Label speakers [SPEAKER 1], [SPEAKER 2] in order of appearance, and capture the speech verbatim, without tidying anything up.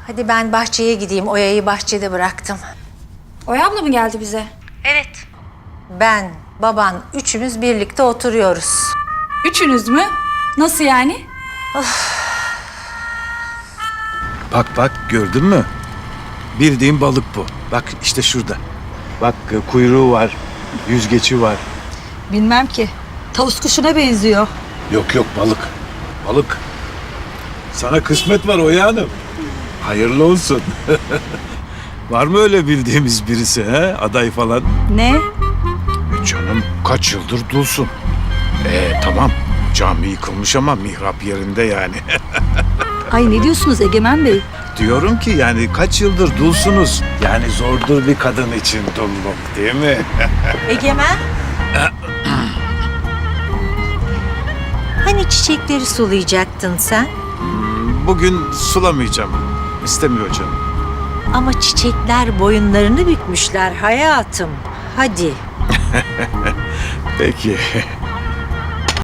[SPEAKER 1] Hadi ben bahçeye gideyim. Oya'yı bahçede bıraktım.
[SPEAKER 2] Oya abla mı geldi bize?
[SPEAKER 1] Evet. Ben, baban, üçümüz birlikte oturuyoruz.
[SPEAKER 2] Üçünüz mü? Nasıl yani?
[SPEAKER 3] Bak bak gördün mü? Bildiğin balık bu. Bak işte şurada. Bak e, kuyruğu var, yüzgeci var.
[SPEAKER 4] Bilmem ki. Tavus kuşuna benziyor.
[SPEAKER 3] Yok yok balık. Balık. Sana kısmet var Oya Hanım. Hayırlı olsun. Var mı öyle bildiğimiz birisi he? Aday falan.
[SPEAKER 4] Ne?
[SPEAKER 3] E canım kaç yıldır dulsun. E tamam cami yıkılmış ama mihrap yerinde yani.
[SPEAKER 4] Ay ne diyorsunuz Egemen Bey?
[SPEAKER 3] Diyorum ki yani kaç yıldır dulsunuz. Yani zordur bir kadın için dulluk değil mi?
[SPEAKER 1] Egemen. Hani çiçekleri sulayacaktın sen?
[SPEAKER 3] Bugün sulamayacağım. İstemiyor canım.
[SPEAKER 1] Ama çiçekler boyunlarını bükmüşler hayatım. Hadi.
[SPEAKER 3] Peki.